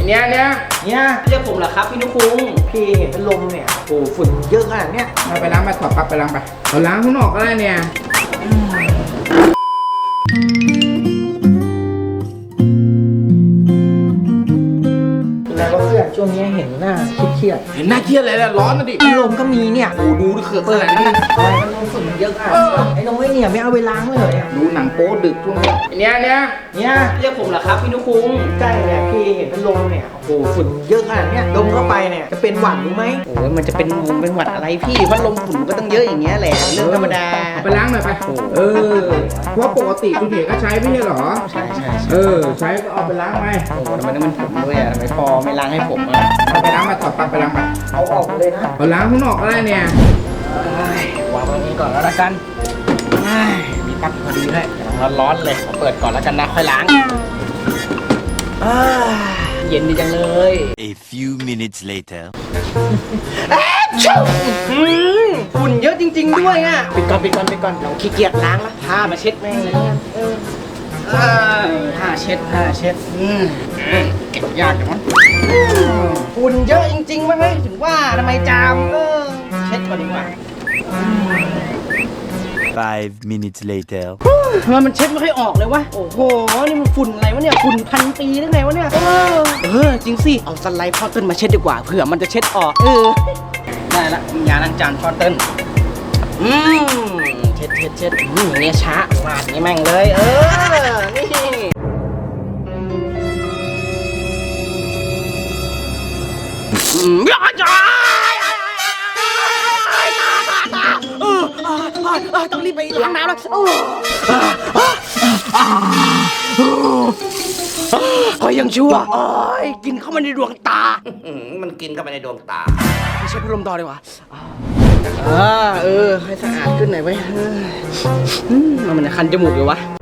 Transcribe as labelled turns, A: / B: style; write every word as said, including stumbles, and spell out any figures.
A: เนี่ยเนี่ย
B: เนี่ยเรียกผมเหรอครับพี่นุคุงพี่เห็นเป็นลมเนี่ยโอ้ฝุ่นเยอะขนาดเนี้ย
A: มาไปล้างไปถอดปลั๊กไปล้างไปเอาล้างข้างนอกก็ได้เนี่ย
B: แล้วก็เพื่อนช่วงนี้เห็นหน้าเครียด
A: เห็นหน้าเครียดเลยนะร้อนนะดิ
B: ๆลมก็มีเนี่ย
A: โอ้ดูดิเขื่อน
B: เปิด
A: ขนาด
B: นะ
A: นั้น
B: ทำไมมันลมฝุ่นเยอะขนาดนี้ไอ้น้องไอ้เนี่ยไม่เอาไปล้างเลยอ่ะ
A: ดูหนังโป๊ดึกช่วงนี้เนี่ยเนี่ย
B: เนี่ยเรียกผมเหรอครับพี่นุคุงใช่เนี่ยพี่เห็นเป็นลมเนี่ยโอ้ฝุ่นเยอะขนาดเนี้ยลมเข้าไปเนี่ยจะเป็นหวัดหรือไหมโอ้ยมันจะเป็นลมเป็นหวัดอะไรพี่พัดลมฝุ่นก็ต้องเยอะอย่างเงี้ยแหละเรื่องธรรมดา
A: เอาไปล้างหน่อยไปเออเพราะปกติคุณเห็นก็ใช้ไม่ใช่เหรอ
B: ใช่ใช่
A: เออใช้ก็เอาไปล้างไป
B: โอ้ทำไมต้องเป็นผมด้วยอ่ะทำไมพอไม่ล้างให้ผมอ่ะ
A: เอาไปล้างไปถอดปลั๊กไปล้างไป
B: เอาออกเลยนะ
A: เอาล้างข้างนอกก็ได้เนี่ยว
B: างตรงนี้ก่อนแล้วละกันมีปลั๊กพอดีด้วยกำลังร้อนๆเลยขอเปิดก่อนแล้วกันนะค่อยล้างเย็นดีจังเลย
C: A few minutes later
B: ชุ่มฝุ่นเยอะจริงๆด้วยอ่ะปิดก่อนปิดก่อนปิดก่อนเราขี้เกียจล้างแล้วผ้ามาเช็ดแม่งเลยผ้าเช็ดผ้าเช็ดเก็บยากจังวะฝุ่นเยอะจริงๆวะเฮ้ยถึงว่าทำไมจามเออเช็ดก่อนดีกว่า
C: Five minutes later
B: ทำไมมันเช็ดไม่ค่อยออกเลยวะโอ้โหนี่มันฝุ่นอะไรวะเนี่ยฝุ่นพันปีได้ไงวะเนี่ยเออเออจริงสิเอาสไลด์พอตเติ้ลมาเช็ดดีกว่าเผื่อมันจะเช็ดออกเออได้ละยาล้างจานพอตเติ้ลอืมเช็ดเช็ดเช็ดอืมอย่างเงี้ยช้าลาดนี่แม่งเลยเออนี่อืมยาจ้าเออต้องรีบไปล้างน้ำแล้วก็ยังชั่วโอ้ยกินเข้ามาในดวงตามันกินเข้าไปในดวงตาไม่ใช่พัดลมต่อดีกว่าอ่าเออให้สะอาดขึ้นหน่อยไว้มันมันคันจมูกอยู่วะ